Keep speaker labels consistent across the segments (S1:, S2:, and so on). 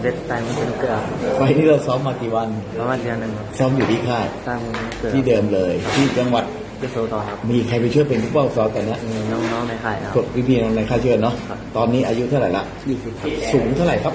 S1: เด็ดตายมันเป็นเกลือ
S2: ไฟล์นี้เราซ้อมมากี่วัน
S1: ประมาณเดือนหนึ่งครับ
S2: ซ้อมอยู่ที่ค่าย
S1: ตั้งเกลือ
S2: ที่เดิมเลยที่จังหวัด
S1: ที่โซต่อครับ
S2: มีใครไปช่วยเป็นผู้เฝ้าซ้อมกันนะ
S1: มีน้องๆในค่ายนะค
S2: ก
S1: รับ
S2: ดพี่ๆในค่ายช่วยเนาะ
S1: ครับ
S2: ตอนนี้อายุเท่าไหร่ละ
S1: 20ครับ
S2: สูงเท่าไหร่ครับ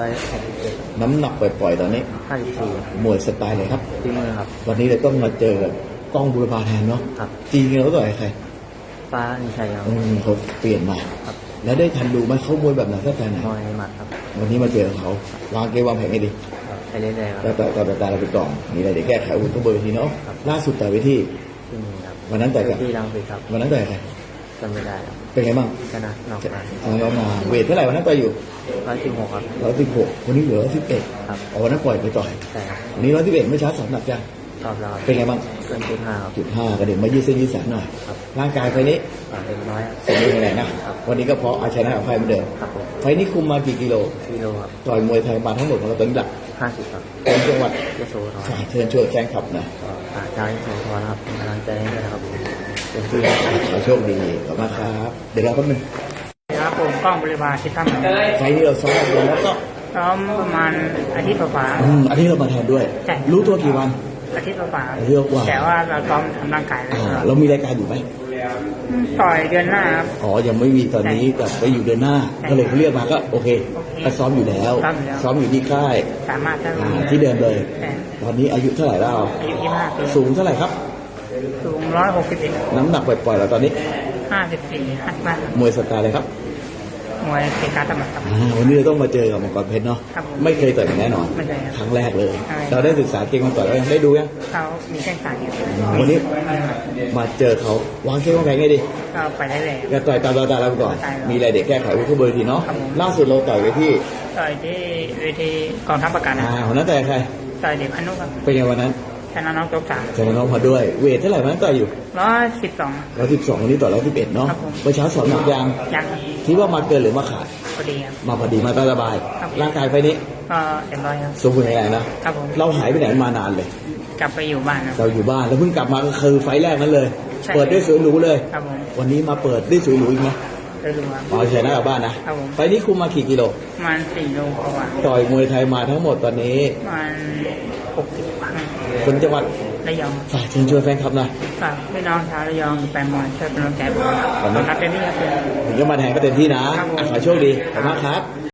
S1: 161
S2: น้ำหนักปล่อยๆตอนนี้
S1: 54
S2: มวยสไตล์เลยครับ
S1: ที่มือครับ
S2: วันนี้เราต้องมาเจอกับกล้องบุรพาแทนเนาะ
S1: ครับ
S2: จริงๆเราต่อยใคร
S1: ฟ้านิชัยครับ
S2: เขาเปลี่ยนมา
S1: ครับ
S2: แล้วได้ทันดูไหมเขามวยแบบไหนสไตล์ไหน
S1: มวยหมัดครับ
S2: วันนี้มาเจอเขาวางเกมวางแผนไงดี
S1: ไปเรื่อยๆค
S2: แล้
S1: รั
S2: ว
S1: บ
S2: แต่เราไปก่อนมีอะไรเดี๋ยวแก้ไขอาวุ้นต้องเบอร์ทีเนาะ
S1: ครับ
S2: ล่าสุดต่อยไปที่
S1: ที่มือครับ
S2: วันนั้นต่อยกับ
S1: ที่รังสิตครับ
S2: วันนั้นต่อยกับใคร
S1: จำไม่ได้ครับ
S2: เป็นไงบ้าง
S1: ชนะนอกมา
S2: เรามาเวทเท่าไหร่วันนั้นต่อยอยู่
S1: 116ครับ
S2: 116วันนี้เหลือ111
S1: ครับ
S2: วันนั้นปล่อยไปต่อย
S1: ใช่ครับ
S2: วันนี้111ไม่ช้าสองหนักจ้ะ
S1: ตอบแล้วครับ
S2: เป็นไงบ้าง
S1: เกิน5ครับ
S2: .5 กระเด็นมายืดเส้นยืดสายหน่อย
S1: ครับ
S2: ร่างกายไฟนี้
S1: เต็มร้อยครับ
S2: สมบูรณ์แข็งแรงนะ วันนี้ก็เพราะเอาชนะกับไฟเหมือนเดิม
S1: ครับผม
S2: ไฟนี้คุมมากี่กิโล
S1: กิโลครับ
S2: ต่อยมวยไทยมาทั้งหมดของเราตอนนี้หลัก
S1: 50ครับ
S2: เป็นจังหวัด
S1: ยโสธร
S2: ฝากเชิญชวนแฟนคลับหนะ
S1: ฝากชาวโสธรครับเป็นกำลังใจให้ด้วยนะครับเป็นที่
S2: ขอโชคดีขอบคุณครับ เดี๋ยวเราแป๊บนึง
S3: ครับผมกล้องบริวารที่ทำ
S2: ไฟนี้เราซ้อมกันแล้วก็
S3: ซ้อมประมาณอาทิตย์กว่า
S2: อันนี้เรามาแทนด้วย
S3: ใช่
S2: รู้ตัวกี่วัน
S3: ๆอาทิตย์กว่า
S2: อาทิตย์กว่า
S3: แต่ว่าเราซ้อมทำร่างกายเลย
S2: เรามีรายการอยู่ไหม
S3: ต่อยเดือนหน้าครับ
S2: อ๋อ ยังไม่มีตอนนี้แต่ไปอยู่เดือนหน้า ก็เลยเขาเรียกมาก็โอเคก็ซ้อมอยู่แล้ว ซ้อมอยู่ที่ค่าย
S3: สามารถท
S2: ที่เดิมเลย
S3: แต่
S2: ตอนนี้อายุเท่าไหร่แล้ว
S3: อายุ25 ปี
S2: สูงเท่าไหร่ครับ
S3: สูง161
S2: น้ำหนักปล่อยๆแล้วตอนนี้
S3: 54 55
S2: มวยสไตล์อะไรครับ
S3: มวยเกการตำบัดครับ
S2: วันนี้เราต้องมาเจอกับมังกรเพชรเนาะ
S3: ครับผม
S2: ไม่เคยต่อยกันแน่นอน
S3: ไม่เคยครับ
S2: ครั้งแรกเลย
S3: ใช่
S2: เราได้ศึกษาเก่งมาก่อนแล้วยังได้ดูยัง
S3: เขามีแข้งขาอยู่
S2: วันนี้มาเจอเขาวางเก่งวางแผนไงดี
S3: ก็ไปได้เลย
S2: ก็ต่อยตามเราไปก่อน มีอะไรเด็กแก้ไขไว้ทุกเบอร์ทีเนาะ
S3: ครับผม
S2: ล่าสุดเราต่อยไปที่
S3: ต่อยที่เวทีกองทัพประกันนะ
S2: วันนั้นต่อยใคร
S3: ต่อยเด็กพนุครับ
S2: เป็นไงวันนั้น
S3: ชนะน้องโจ๊กสาม
S2: เจอน้องพอด้วย เวทเท่าไหร่วันนั้นต่อยอยู่
S3: 112
S2: 112วันนี้ต่อ111เนาะ
S3: ครับผม
S2: เมื่อเช้าสอนหนักยาง
S3: ยังครับ
S2: คิดว่ามาเกินหรือมาขาด
S3: พอดีครับ
S2: มาพอดีมาตามสบาย
S3: ครับ
S2: ร่างกายไฟนี้
S3: ก็เต็มร้อยครับ
S2: สมบูรณ์แข็งแรงนะครับ
S3: ผม
S2: เราหายไปไหนมานานเลย
S3: กลับไปอยู่บ้านครับ
S2: เราอยู่บ้านแล้วเพิ่งกลับมาก็คือไฟล์แรกนั้นเลย
S3: ใช่
S2: เปิดด้วยสวยหรูเลย
S3: ครับผม
S2: วันนี้มาเปิดด้วยสวยหรูอีกไหม
S3: ได้รู้ครับ
S2: อ๋อชนะกลับบ้านนะครับ
S3: ผม
S2: ไฟล์นี้คุมมากี่กิโล
S3: ประมาณ4 โลกว่า
S2: ต่อยมวยไทยมาทั้งหมดตอนนี้
S3: ประมาณ60 ครั้ง
S2: คนจังหวัด
S3: ระยอง
S2: ฝากเชิญชวนแฟนคลับหน่อย
S3: ฝากพี่น้องชาวระยองแฟนบอลช่วยเป็นกำลังใจผม
S2: ขอบคุณ
S3: ครับเต็มที่ครับ
S2: ถึงจะมาแทนก็เต็มที่นะอ่ะขอโชคดีขอบคุณมากครับ